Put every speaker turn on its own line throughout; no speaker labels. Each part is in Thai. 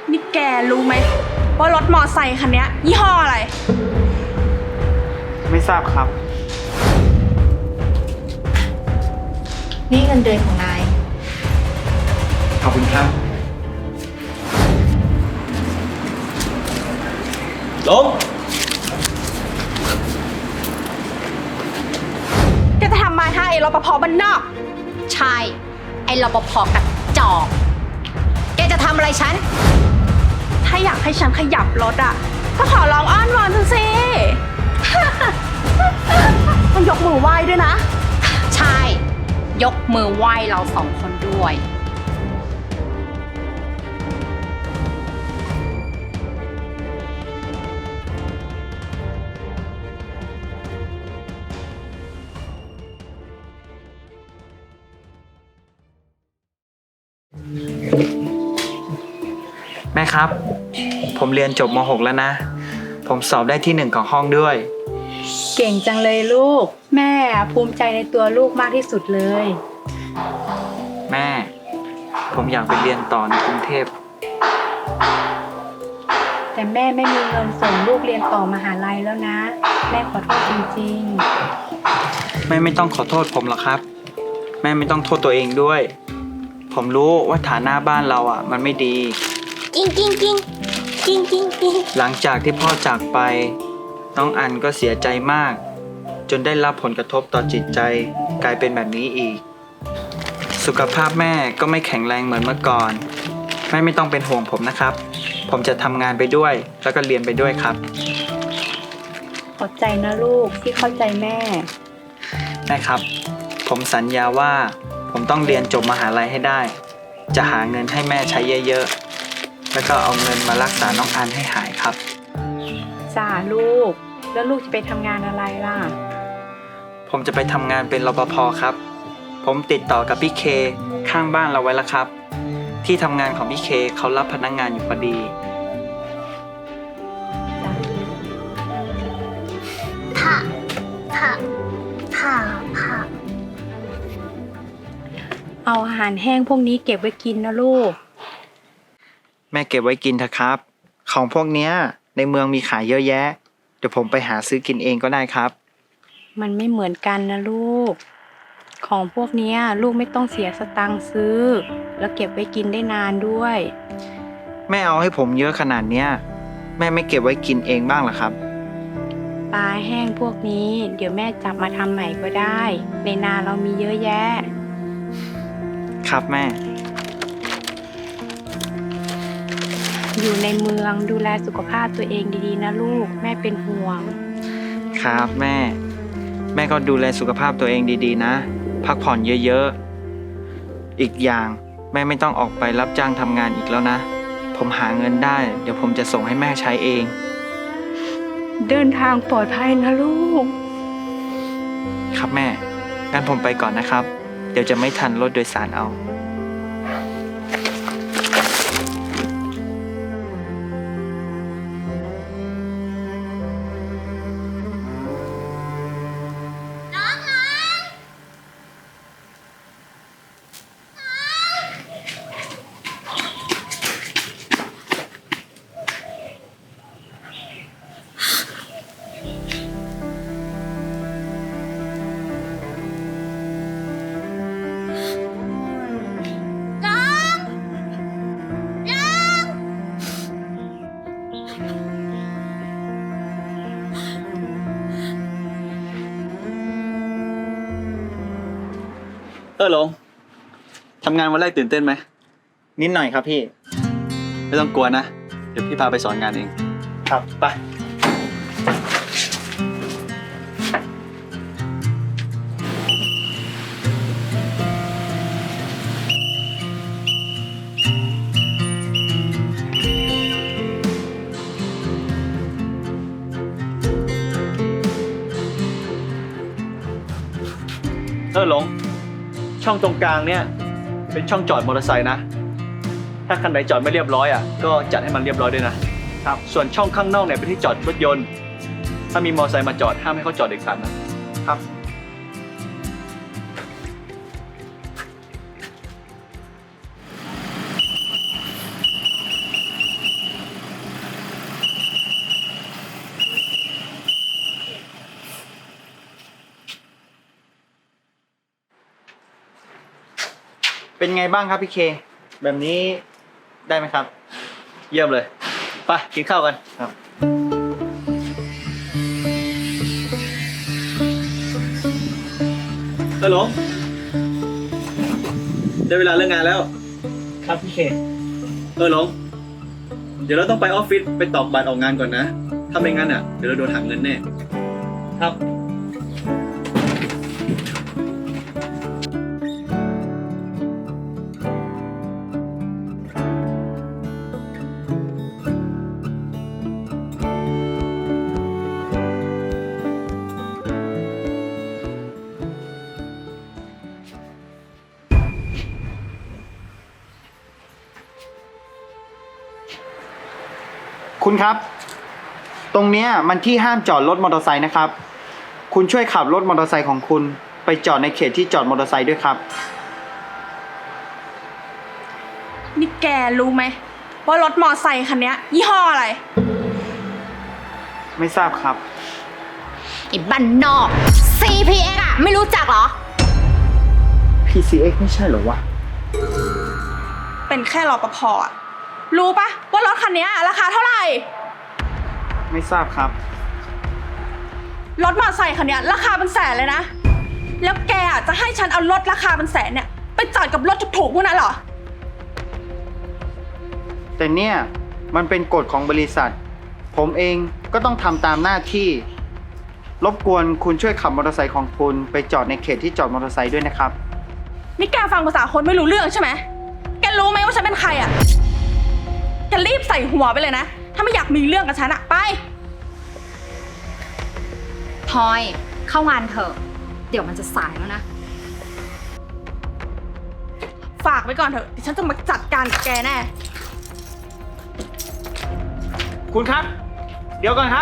นี่แกรู้ไหมว่ารถมอไซค์คันนี้ยี่ห้ออะไร
ไม่ทราบครับ
นี่เงินเดือนของนาย
ขอบคุณครับลง
แกจะทำมาให้ไอ้รปภบ้านนอก
ใช่ ไอ้รปภกับจอกแกจะทำอะไรฉัน
ถ้าอยากให้ฉันขยับรถอ่ะ ก็ขอร้องอ้อนวอนเธอสิ ต้องยกมือไหว้ด้วยนะ
ใช่ ยกมือไหว้เราสองคนด้วย
แม่ครับ ผมเรียนจบม .6 แล้วนะ ผมสอบได้ที่ 1ของห้องด้วย
เก่งจังเลยลูก แม่ภูมิใจในตัวลูกมากที่สุดเลย
แม่ ผมอยากไปเรียนต่อในกรุงเทพ
แต่แม่ไม่มีเงินส่งลูกเรียนต่อมหาลัยแล้วนะ แม่ขอโทษจริง
แม่ไม่ต้องขอโทษผมหรอกครับ แม่ไม่ต้องโทษตัวเองด้วย ผมรู้ว่าฐานะบ้านเราอ่ะ มันไม่ดี
กิ้งกิ้งกิ้งกิ้งกิ้งกิ้ง
หลังจากที่พ่อจากไป น้องอันก็เสียใจมาก จนได้รับผลกระทบต่อจิตใจกลายเป็นแบบนี้อีก สุขภาพแม่ก็ไม่แข็งแรงเหมือนเมื่อก่อน แม่ไม่ต้องเป็นห่วงผมนะครับ ผมจะทำงานไปด้วย แล้วก็เรียนไปด้วยครับ
ๆ ขอบใจนะลูกที่เข้าใจแม่
แม่ครับ ผมสัญญาว่าผมต้องเรียนจบมหาลัยให้ได้ จะหาเงินให้แม่ใช้เยอะๆ แล้วก็เอาเงินมารักษาน้องอันให้หายครับ
จ้าลูก แล้วลูกจะไปทำงานอะไรล่ะ
ผมจะไปทำงานเป็นรปภครับ ผมติดต่อกับพี่เคข้างบ้านเราไว้แล้วครับ ที่ทำงานของพี่เคเขารับพนักงานอยู่พอดี
ผ่าผ่าผ่าผ่า
เอาอาหารแห้งพวกนี้เก็บไว้กินนะลูก
แม่เก็บไว้กินเถอะครับ ของพวกเนี้ยในเมืองมีขายเยอะแยะ เดี๋ยวผมไปหาซื้อกินเองก็ได้ครับ
มันไม่เหมือนกันนะลูก ของพวกเนี้ยลูกไม่ต้องเสียสตังค์ซื้อ แล้วเก็บไว้กินได้นานด้วย
แม่เอาให้ผมเยอะขนาดเนี้ยแม่ไม่เก็บไว้กินเองบ้างเหรอครับ
ปลาแห้งพวกนี้ เดี๋ยวแม่จับมาทำใหม่ก็ได้ ในนาเรามีเยอะแยะ
ครับแม่
อยู่ในเมืองดูแลสุขภาพตัวเองดีๆนะลูก แม่เป็นห่วง
ครับแม่ แม่ก็ดูแลสุขภาพตัวเองดีๆนะ พักผ่อนเยอะๆ อีกอย่างแม่ไม่ต้องออกไปรับจ้างทำงานอีกแล้วนะ ผมหาเงินได้ เดี๋ยวผมจะส่งให้แม่ใช้เอง
เดินทางปลอดภัยนะลูก
ครับแม่ งั้นผมไปก่อนนะครับ เดี๋ยวจะไม่ทันรถโดยสารเอา
หลงทำงานวันแรกตื่นเต้นไหม
นิดหน่อยครับพี่
ไม่ต้องกลัวนะ เดี๋ยวพี่พาไปสอนงานเอง
ครับ
ไป หลง ช่องตรงกลางเนี่ยเป็นช่องจอดมอเตอร์ไซค์นะ ถ้าคันไหนจอดไม่เรียบร้อยอ่ะก็จัดให้มันเรียบร้อยด้วยนะครับ ส่วนช่องข้างนอกเนี่ยเป็นที่จอดรถยนต์ ถ้ามีมอเตอร์ไซค์มาจอดห้ามให้เขาจอดเด็ดขาดนะครับ
เป็นไงบ้างครับพี่เค แบบนี้ได้ไหมครับ
เยี่ยมเลย ไปกินข้าวกัน
ครับ
หลงได้เวลาเลิกงานแล้ว
ครับพี่เค
หลง เดี๋ยวเราต้องไปออฟฟิศไปตอกบัตรออกงานก่อนนะ ถ้าไม่งั้นอ่ะ เดี๋ยวเราโดนหักเงินแน่
ครับ คุณครับ ตรงเนี้ยมันที่ห้ามจอดรถมอเตอร์ไซค์นะครับ คุณช่วยขับรถมอเตอร์ไซค์ของคุณไปจอดในเขตที่จอดมอเตอร์ไซค์ด้วยครับ
นี่แกรู้ไหมว่ารถมอไซค์คันเนี้ยยี่ห้ออะไร
ไม่ทราบครับ
ไอ้บ้านนอก CPX อะไม่รู้จักเหรอ
PCX ไม่ใช่เหรอวะ
เป็นแค่รปภอะรู้ปะว่ารถคันเนี้ยราคาเท่าไหร่
ไม่ทราบครับ
รถมอไซค์คันเนี้ยราคาเป็นแสนเลยนะ แล้วแกอะจะให้ฉันเอารถราคาเป็นแสนเนี่ยไปจอดกับรถถูกๆพวกนั้นเหรอ
แต่เนี่ยมันเป็นกฎของบริษัท ผมเองก็ต้องทำตามหน้าที่ รบกวนคุณช่วยขับมอเตอร์ไซค์ของคุณไปจอดในเขตที่จอดมอเตอร์ไซค์ด้วยนะครับ
นี่แกฟังภาษาคนไม่รู้เรื่องใช่ไหม แกรู้ไหมว่าฉันเป็นใครอะแกรีบใส่หัวไปเลยนะ ถ้าไม่อยากมีเรื่องกับฉันอะไป
พลอยเข้างานเถอะ เดี๋ยวมันจะสายแล้วนะ
ฝากไว้ก่อนเถอะเดี๋ยวฉันจะมาจัดการกับแกแน่
คุณครับ เดี๋ยวก่อนครับ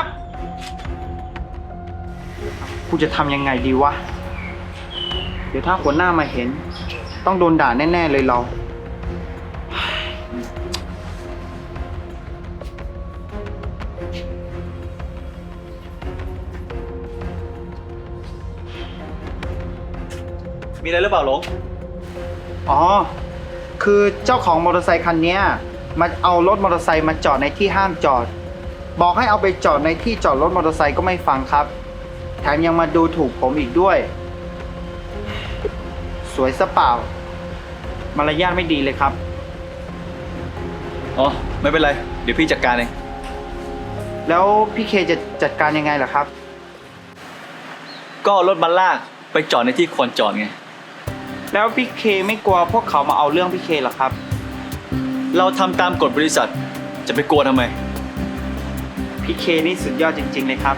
คุณจะทำยังไงดีวะ เดี๋ยวถ้าหัวหน้ามาเห็น ต้องโดนด่าแน่ๆเลยเรา
มีอะไรหรือเปล่าหลง
อ๋อ คือเจ้าของมอเตอร์ไซคันเนี้ยมันเอารถมอเตอร์ไซค์มาจอดในที่ห้ามจอด บอกให้เอาไปจอดในที่จอดรถมอเตอร์ไซค์ก็ไม่ฟังครับ แถมยังมาดูถูกผมอีกด้วย สวยซะเปล่า มารยาทไม่ดีเลยครับ
อ๋อ ไม่เป็นไร เดี๋ยวพี่จัดการเอง
แล้วพี่เคจะจัดการยังไงล่ะครับ
ก็เอารถมาลากไปจอดในที่ควรจอดไง
แล้วพี่เคไม่กลัวพวกเขามาเอาเรื่องพี่เคเหรอครับ
เราทำตามกฎบริษัท จะไปกลัวทำไม
พี่เคนี่สุดยอดจริงๆเลยครับ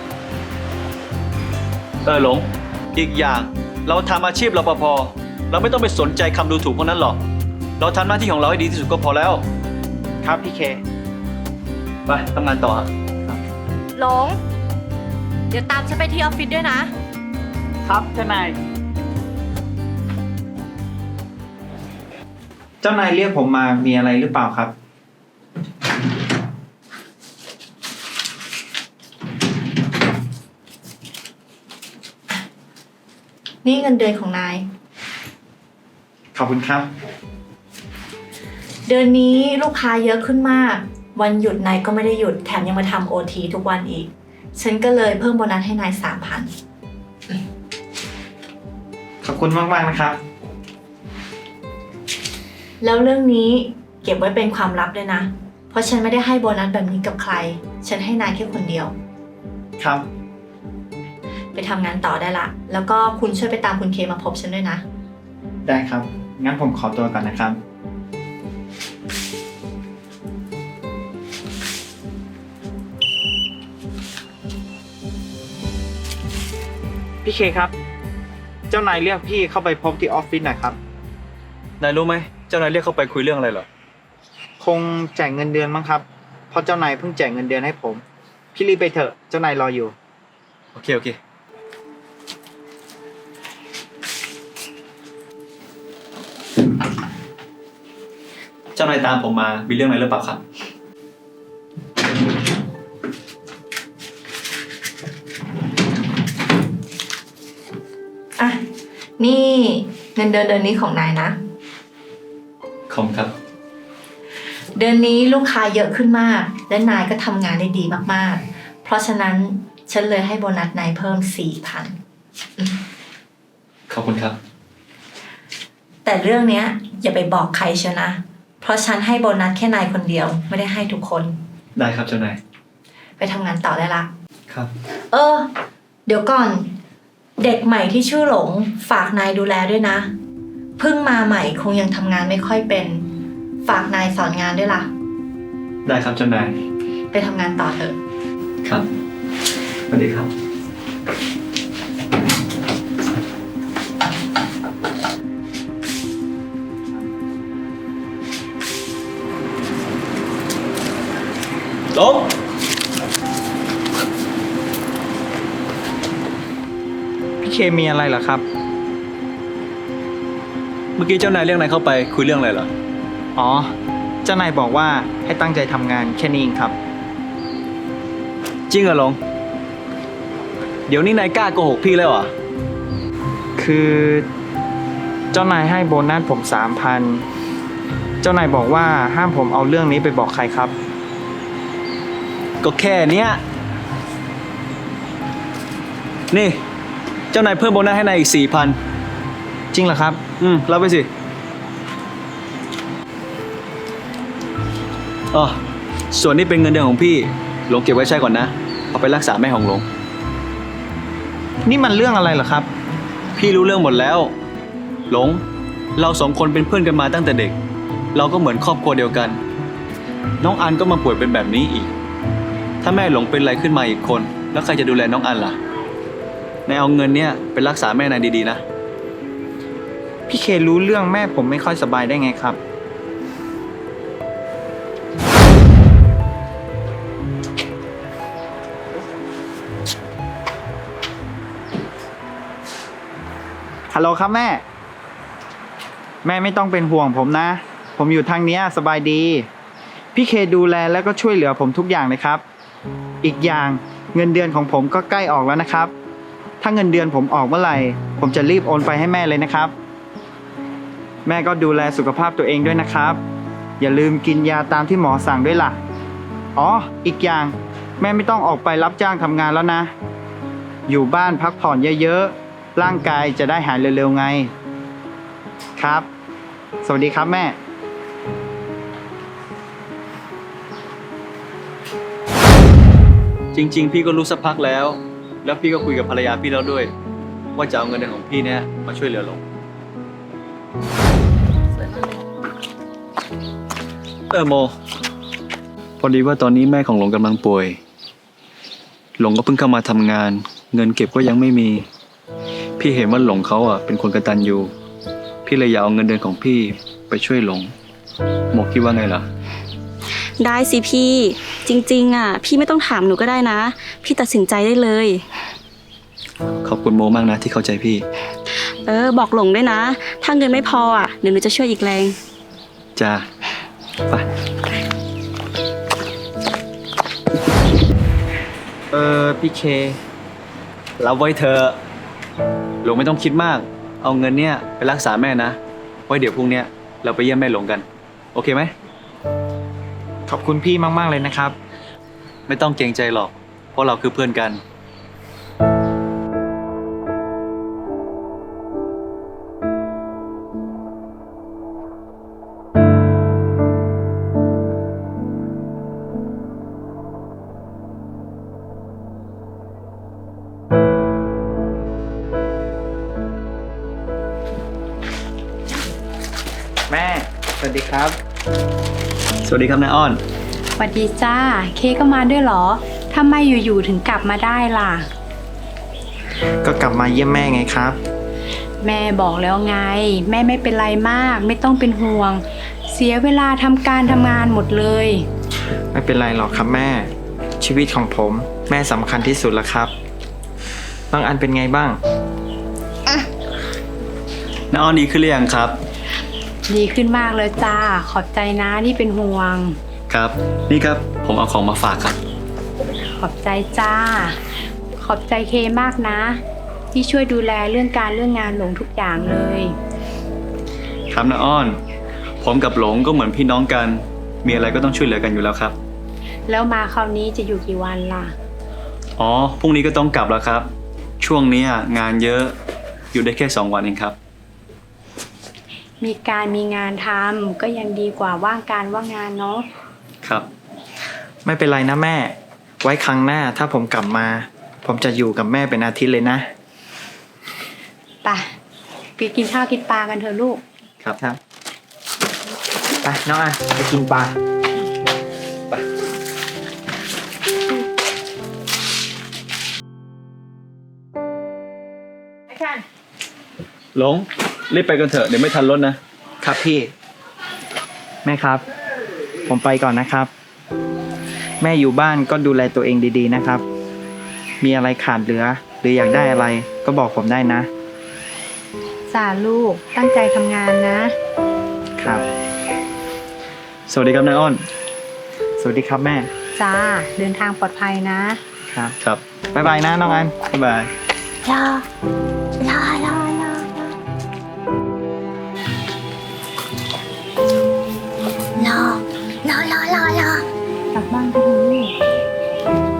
หลง อีกอย่างเราทำอาชีพรปภ เราไม่ต้องไปสนใจคำดูถูกพวกนั้นหรอก เราทำหน้าที่ของเราให้ดีที่สุดก็พอแล้ว
ครับพี่เค
ไปทำงานต่อฮะ
หลง เดี๋ยวตามฉันไปที่ออฟฟิศด้วยนะ
ครับเจ้านาย เจ้านายเรียกผมมามีอะไรหรือเปล่าครับ
นี่เงินเดือนของนาย
ขอบคุณครับ
เดือนนี้ลูกค้าเยอะขึ้นมาก วันหยุดนายก็ไม่ได้หยุดแถมยังมาทำ OT ทุกวันอีก ฉันก็เลยเพิ่มโบนัสให้นาย 3,000
ขอบคุณมากๆนะครับ
แล้วเรื่องนี้เก็บไว้เป็นความลับด้วยนะ เพราะฉันไม่ได้ให้โบนัสแบบนี้กับใคร ฉันให้นายแค่คนเดียว
ครับ
ไปทำงานต่อได้ละ แล้วก็คุณช่วยไปตามคุณเคมาพบฉันด้วยนะ
ได้ครับ งั้นผมขอตัวก่อนนะครับ พี่เคครับ เจ้านายเรียกพี่เข้าไปพบที่ออฟฟิศหน่อยครับ
นายรู้ไหม เจ้านายเรียกเข้าไปคุยเรื่องอะไรเหรอ
คงแจกเงินเดือนมั้งครับ เพราะเจ้านายเพิ่งแจกเงินเดือนให้ผม พี่รีบไปเถอะ เจ้านายรออยู่
โอเค โอเค เจ้านายตามผมมามีเรื่องอะไรหรือเปล่าครับ
อ่ะ นี่เงินเดือนเดือนนี้ของนายนะ
ขอบคุณครับ
เดือนนี้ลูกค้าเยอะขึ้นมาก และนายก็ทำงานได้ดีมากๆ เพราะฉะนั้นฉันเลยให้โบนัสนายเพิ่ม 4,000
ขอบคุณครับ
แต่เรื่องเนี้ยอย่าไปบอกใครเชียวนะ เพราะฉันให้โบนัสแค่นายคนเดียวไม่ได้ให้ทุกคน
ได้ครับเจ้านาย
ไปทำงานต่อได้ละ
ครับ
เดี๋ยวก่อน เด็กใหม่ที่ชื่อหลงฝากนายดูแลด้วยนะ เพิ่งมาใหม่คงยังทำงานไม่ค่อยเป็น ฝากนายสอนงานด้วยล่ะ
ได้ครับเจ้านาย
ไปทำงานต่อเถอะ
ครับสวัสดีครับ หลง
พี่เคมีอะไรเหรอครับ
เมื่อกี้เจ้านายเรียกนายเข้าไปคุยเรื่องอะไรเหรอ
อ๋อ เจ้านายบอกว่าให้ตั้งใจทำงานแค่นี้เองครับ
จริงเหรอหลง เดี๋ยวนี้นายกล้าโกหกพี่แล้วเหรอ
คือเจ้านายให้โบนัสผม 3,000 เจ้านายบอกว่าห้ามผมเอาเรื่องนี้ไปบอกใครครับ
ก็แค่เนี้ย นี่ เจ้านายเพิ่มโบนัสให้นายอีก 4,000
จริงเหรอครับ
รับไปสิอ๋อส่วนนี้เป็นเงินเดือนของพี่ หลงเก็บไว้ใช้ก่อนนะ เอาไปรักษาแม่ของหลง
นี่มันเรื่องอะไรเหรอครับ
พี่รู้เรื่องหมดแล้ว หลง เราสองคนเป็นเพื่อนกันมาตั้งแต่เด็ก เราก็เหมือนครอบครัวเดียวกัน น้องอันก็มาป่วยเป็นแบบนี้อีก ถ้าแม่หลงเป็นอะไรขึ้นมาอีกคน แล้วใครจะดูแลน้องอันล่ะ นายเอาเงินเนี้ยไปรักษาแม่นายดีๆนะ
พี่เครู้เรื่องแม่ผมไม่ค่อยสบายได้ไงครับ ฮัลโหลครับแม่ แม่ไม่ต้องเป็นห่วงผมนะ ผมอยู่ทางเนี้ยสบายดี พี่เคดูแลแล้วก็ช่วยเหลือผมทุกอย่างเลยครับ อีกอย่างเงินเดือนของผมก็ใกล้ออกแล้วนะครับ ถ้าเงินเดือนผมออกเมื่อไหร่ ผมจะรีบโอนไปให้แม่เลยนะครับ แม่ก็ดูแลสุขภาพตัวเองด้วยนะครับ อย่าลืมกินยาตามที่หมอสั่งด้วยล่ะ อ๋อ อีกอย่างแม่ไม่ต้องออกไปรับจ้างทำงานแล้วนะ อยู่บ้านพักผ่อนเยอะๆ ร่างกายจะได้หายเร็วๆไง ครับ สวัสดีครับแม่
จริงๆ พี่ก็รู้สักพักแล้ว แล้วพี่ก็คุยกับภรรยาพี่แล้วด้วย ว่าจะเอาเงินเดือนของพี่เนี่ยมาช่วยเหลือหลง โม พอดีว่าตอนนี้แม่ของหลงกำลังป่วย หลงก็เพิ่งเข้ามาทำงาน เงินเก็บก็ยังไม่มี พี่เห็นว่าหลงเขาเป็นคนกตัญญู พี่เลยอยากเอาเงินเดือนของพี่ไปช่วยหลง โมคิดว่าไงล่ะ
ได้สิพี่ จริงๆพี่ไม่ต้องถามหนูก็ได้นะ พี่ตัดสินใจได้เลย
ขอบคุณโมมากนะที่เข้าใจพี่
บอกหลงด้วยนะ ถ้าเงินไม่พอเดี๋ยวหนูจะช่วยอีกแรง
จ้า ไป
พี่เค
รับไว้เธอะหลงไม่ต้องคิดมาก เอาเงินเนี่ยไปรักษาแม่นะ ไว้เดี๋ยวพรุ่งเนี้ยเราไปเยี่ยมแม่หลงกัน โอเคไหม
ขอบคุณพี่มากๆเลยนะครับ
ไม่ต้องเกรงใจหรอก เพราะเราคือเพื่อนกัน
แม่ สวัสดีครับ
สวัสดีครับนายอ้อน
สวัสดีจ้า เคก็มาด้วยเหรอทำไมอยู่ๆถึงกลับมาได้ล่ะ
ก็กลับมาเยี่ยมแม่ไงครับ
แม่บอกแล้วไง แม่ไม่เป็นไรมาก ไม่ต้องเป็นห่วง เสียเวลาทำการทำงานหมดเลย
ไม่เป็นไรหรอกครับแม่ ชีวิตของผมแม่สำคัญที่สุดแล้วครับน้องอันเป็นไงบ้าง
นายอ้อนดีขึ้นหรือยังครับ
ดีขึ้นมากเลยจ้า ขอบใจนะที่เป็นห่วง
ครับ นี่ครับ ผมเอาของมาฝากครับ
ขอบใจจ้า ขอบใจเคมากนะ ที่ช่วยดูแลเรื่องการเรื่องงานหลงทุกอย่างเลย
ครับนายอ้อน ผผมกับหลงก็เหมือนพี่น้องกัน มีอะไรก็ต้องช่วยเหลือกันอยู่แล้วครับ
แล้วมาคราวนี้จะอยู่กี่วันล่ะ
อ๋อ พรุ่งนี้ก็ต้องกลับแล้วครับ ช่วงนี้งานเยอะ อยู่ได้แค่2 วันเองครับ
มีงานทำก็ยังดีกว่าว่างการว่างงานเนาะ
ครับ
ไม่เป็นไรนะแม่ ไว้ครั้งหน้าถ้าผมกลับมา ผมจะอยู่กับแม่เป็นอาทิตย์เลยนะ
ไปกินข้าวกินปลากันเถอะลูก
ครับ ไปน้องอันไปกินปลา
หลง รีบไปกันเถอะ เดี๋ยวไม่ทันรถนะ
ครับพี่ แม่ครับ ผมไปก่อนนะครับ แม่อยู่บ้านก็ดูแลตัวเองดีๆนะครับ มีอะไรขาดเหลือ หรืออยากได้อะไรก็บอกผมได้นะ
จ้าลูกตั้งใจทำงานนะ
ครับ
สวัสดีครับนายอ้อน
สวัสดีครับแม่
จ้า เดินทางปลอดภัยนะ
ครับ
ครับ
บ๊ายบายนะน้องอัน
บ๊ายบาย
รอ รอ รอ รอ รอ รอ รอ รอ รอ
กลับบ้านกันเถอะลูก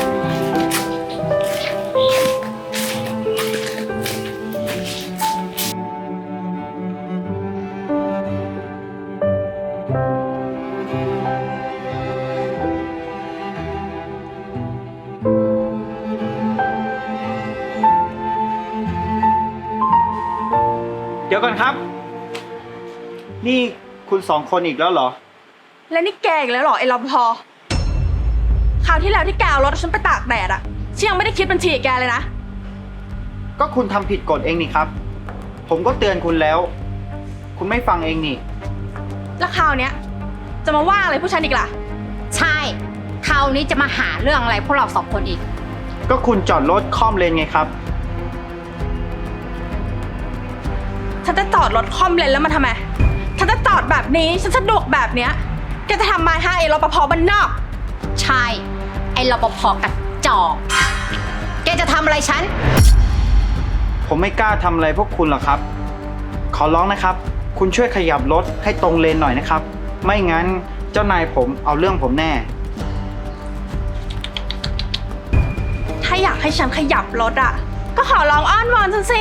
เดี๋ยวก่อนครับ นี่คุณ2 คนอีกแล้วเหรอ
และนี่แกอีกแล้วเหรอไอ้รปภคราวที่แล้วที่แกเอารถฉันไปตากแดดอะฉันยังไม่ได้คิดบัญชีกับแกเลยนะ
ก็คุณทำผิดกฎเองนี่ครับ ผมก็เตือนคุณแล้ว คุณไม่ฟังเองนี่
แล้วคราวเนี้ยจะมาว่าอะไรผู้ฉันอีกล่ะ
ใช่ คราวนี้จะมาหาเรื่องอะไรพวกเรา2 คนอีก
ก็คุณจอดรถค่อมเลนไงครับ
ฉันจะจอดรถคอมเลนแล้วมันทำไม ฉันจะจอดแบบนี้ฉันสะดวกแบบเนี้ยแกจะทำไมให้ไอ้รปภบ้านนอก
ใช่ ไอ้รปภกระจอก แกจะทำอะไรฉัน
ผมไม่กล้าทำอะไรพวกคุณหรอกครับ ขอร้องนะครับ คุณช่วยขยับรถให้ตรงเลนหน่อยนะครับ ไม่งั้นเจ้านายผมเอาเรื่องผมแน่
ถ้าอยากให้ฉันขยับรถอะก็ขอร้องอ้อนวอนฉันสิ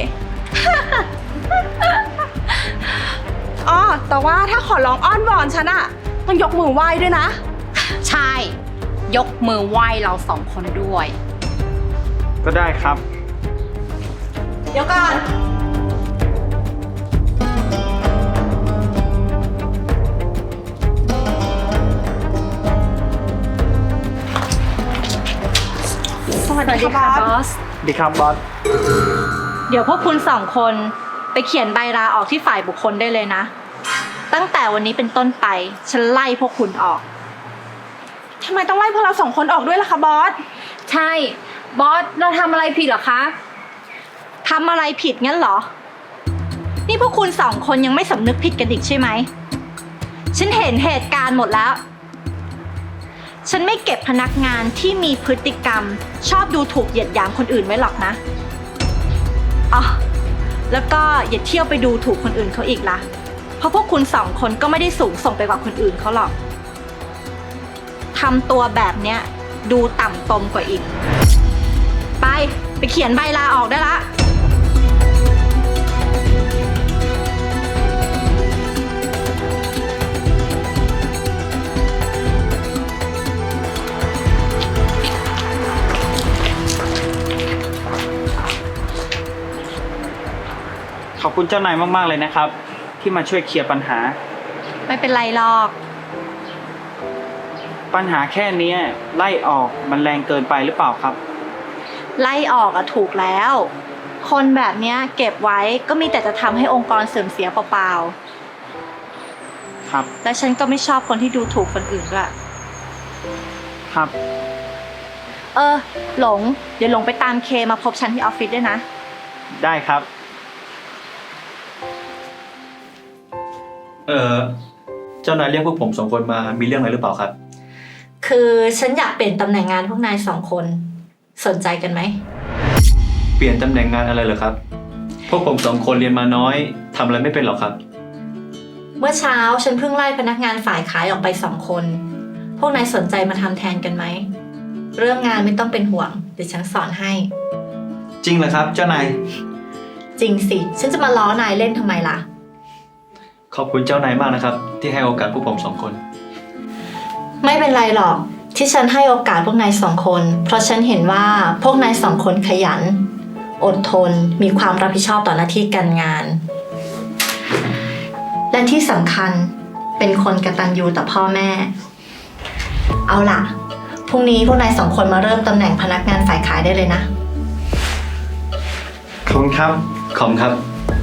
อ๋อแต่ว่าถ้าขอร้องอ้อนวอนฉันอะต้องยกมือไหว้ด้วยนะ
ใช่ ยกมือไหว้เรา2 คนด้วย
ก็ได้ครับ
เดี๋ยวก่อน สวัสดีค่ะบอส
ดีครับบอส
เดี๋ยวพวกคุณ2 คนไปเขียนใบลาออกที่ฝ่ายบุคคลได้เลยนะ ตั้งแต่วันนี้เป็นต้นไป ฉันไล่พวกคุณออก
ทำไมต้องไล่พวกเรา2 คนออกด้วยล่ะคะบอส
ใช่ บอส เราทำอะไรผิดเหรอคะ
ทำอะไรผิดงั้นเหรอ นี่พวกคุณ2 คนยังไม่สำนึกผิดกันอีกใช่ไหม ฉันเห็นเหตุการณ์หมดแล้ว ฉันไม่เก็บพนักงานที่มีพฤติกรรมชอบดูถูกเหยียดหยามคนอื่นไว้หรอกนะอ๋อแล้วก็อย่าเที่ยวไปดูถูกคนอื่นเขาอีกล่ะ เพราะพวกคุณ2 คนก็ไม่ได้สูงส่งไปกว่าคนอื่นเขาหรอกทำตัวแบบเนี้ยดูต่ำตมกว่าอีก ไปเขียนใบลาออกได้ละ
ขอบคุณเจ้านายมากๆเลยนะครับ ที่มาช่วยเคลียร์ปัญหา
ไม่เป็นไรหรอก
ปัญหาแค่เนี้ยไล่ออกมันแรงเกินไปหรือเปล่าครับ
ไล่ออกอะถูกแล้ว คนแบบเนี้ยเก็บไว้ก็มีแต่จะทำให้องค์กรเสื่อมเสียเปล่า
ครับ
ๆและฉันก็ไม่ชอบคนที่ดูถูกคนอื่นด้วย
ครับ
หลง เดี๋ยวหลงไปตามเคมาพบฉันที่ออฟฟิศด้วยนะ
ได้ครับ
เจ้านายเรียกพวกผม2 คนมา มีเรื่องอะไรหรือเปล่าครับ
คือฉันอยากเปลี่ยนตำแหน่งงานพวกนาย2 คน สนใจกันไหม
เปลี่ยนตำแหน่งงานอะไรเหรอครับ พวกผม2 คนเรียนมาน้อยทำอะไรไม่เป็นหรอกครับ
เมื่อเช้าฉันเพิ่งไล่พนักงานฝ่ายขายออกไป2 คน พวกนายสนใจมาทำแทนกันไหม เรื่องงานไม่ต้องเป็นห่วงเดี๋ยวฉันสอนให้
จริงเหรอครับเจ้านาย
จริงสิ ฉันจะมาล้อนายเล่นทำไมล่ะ
ขอบคุณเจ้านายมากนะครับ ที่ให้โอกาสพวกผม2 คน
ไม่เป็นไรหรอกที่ฉันให้โอกาสพวกนาย2 คน เพราะฉันเห็นว่าพวกนาย2 คนขยัน อดทน มีความรับผิดชอบต่อหน้าที่การงาน และที่สำคัญเป็นคนกตัญญูต่อพ่อแม่ เอาล่ะพรุ่งนี้พวกนาย2 คนมาเริ่มตำแหน่งพนักงานฝ่ายขายได้เลยนะ
ขอบคุณครับ
ขอบคุณครับ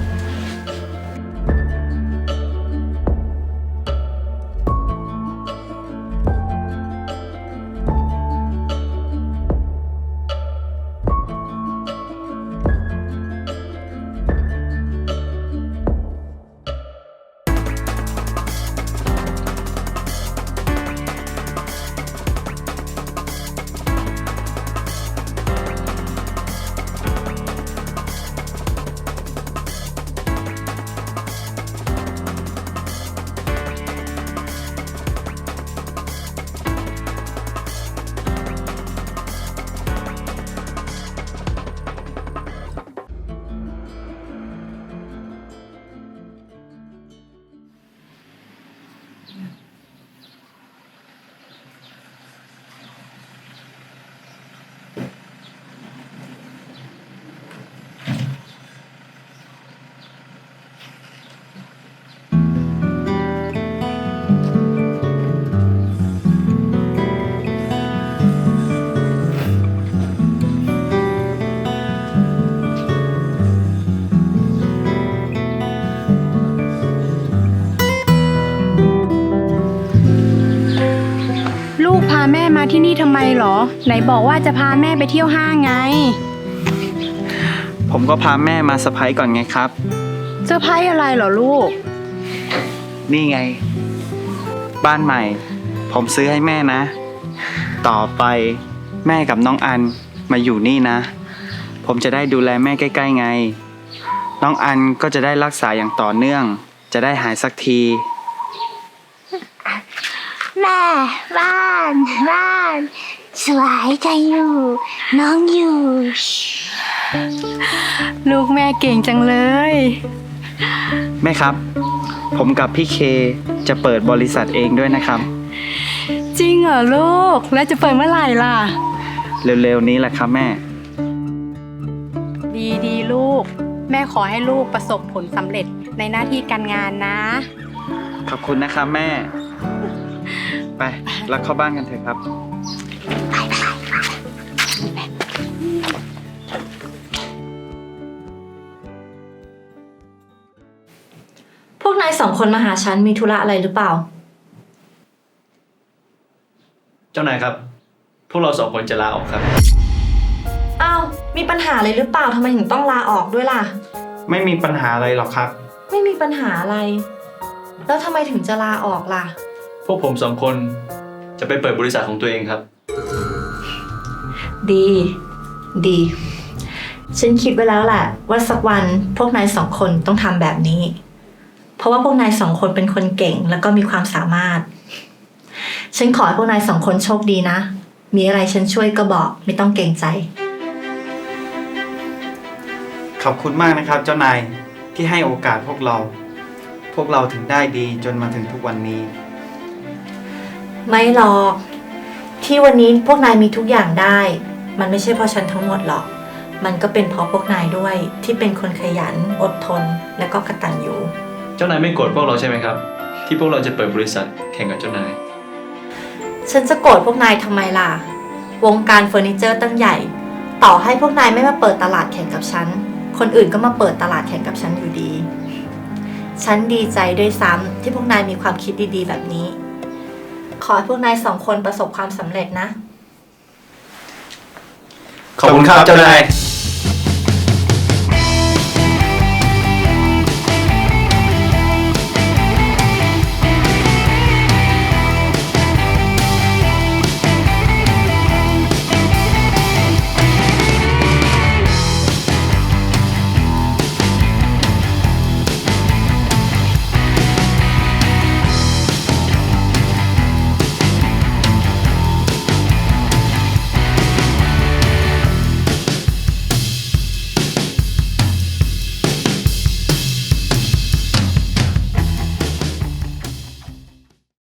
ลูกพาแม่มาที่นี่ทำไมหรอ ไหนบอกว่าจะพาแม่ไปเที่ยวห้างไง
ผมก็พาแม่มาเซอร์ไพรส์ก่อนไงครับ
เซอร์ไพรส์อะไรเหรอลูก
นี่ไง บ้านใหม่ ผมซื้อให้แม่นะ ต่อไปแม่กับน้องอันมาอยู่นี่นะ ผมจะได้ดูแลแม่ใกล้ๆไง น้องอันก็จะได้รักษาอย่างต่อเนื่อง จะได้หายสักที
แม่บ้านสวยจังอยู่ น้องอยู่
ลูกแม่เก่งจังเลย
แม่ครับ ผมกับพี่เคจะเปิดบริษัทเองด้วยนะครับ
จริงเหรอลูก แล้วจะเปิดเมื่อไหร่ล่ะ
เร็วๆนี้แหละครับแม่
ดีลูก แม่ขอให้ลูกประสบผลสำเร็จในหน้าที่การงานนะ
ขอบคุณนะครับแม่ ไปแล้วเข้าบ้านกันเถอะครับ
พวกนาย2 คนมาหาฉันมีธุระอะไรหรือเปล่า
เจ้านายครับ พวกเรา2 คนจะลาออกครับ
อ้าว มีปัญหาอะไรหรือเปล่าทำไมถึงต้องลาออกด้วยล่ะ
ไม่มีปัญหาอะไรหรอกครับ
ไม่มีปัญหาอะไร แล้วทำไมถึงจะลาออกล่ะ
พวกผม2 คนจะไปเปิดบริษัทของตัวเองครับ
ดี ฉันคิดไว้แล้วแหละว่าสักวันพวกนาย2 คนต้องทำแบบนี้ เพราะว่าพวกนาย2 คนเป็นคนเก่งแล้วก็มีความสามารถ ฉันขอให้พวกนาย2 คนโชคดีนะ มีอะไรฉันช่วยก็บอกไม่ต้องเกรงใจ
ขอบคุณมากนะครับ เจ้านายที่ให้โอกาสพวกเราถึงได้ดีจนมาถึงทุกวันนี้
ไม่หรอก ที่วันนี้พวกนายมีทุกอย่างได้ มันไม่ใช่เพราะฉันทั้งหมดหรอก มันก็เป็นเพราะพวกนายด้วยที่เป็นคนขยันอดทนและก็กตัญญู
เจ้านายไม่โกรธพวกเราใช่ไหมครับ ที่พวกเราจะเปิดบริษัทแข่งกับเจ้านาย
ฉันจะโกรธพวกนายทำไมล่ะ วงการเฟอร์นิเจอร์ตั้งใหญ่ ต่อให้พวกนายไม่มาเปิดตลาดแข่งกับฉัน คนอื่นก็มาเปิดตลาดแข่งกับฉันอยู่ดี ฉันดีใจด้วยซ้ำที่พวกนายมีความคิดดีๆแบบนี้ ขอให้พวกนาย2 คนประสบความสำเร็จนะ
ขอบคุณครับเจ้านาย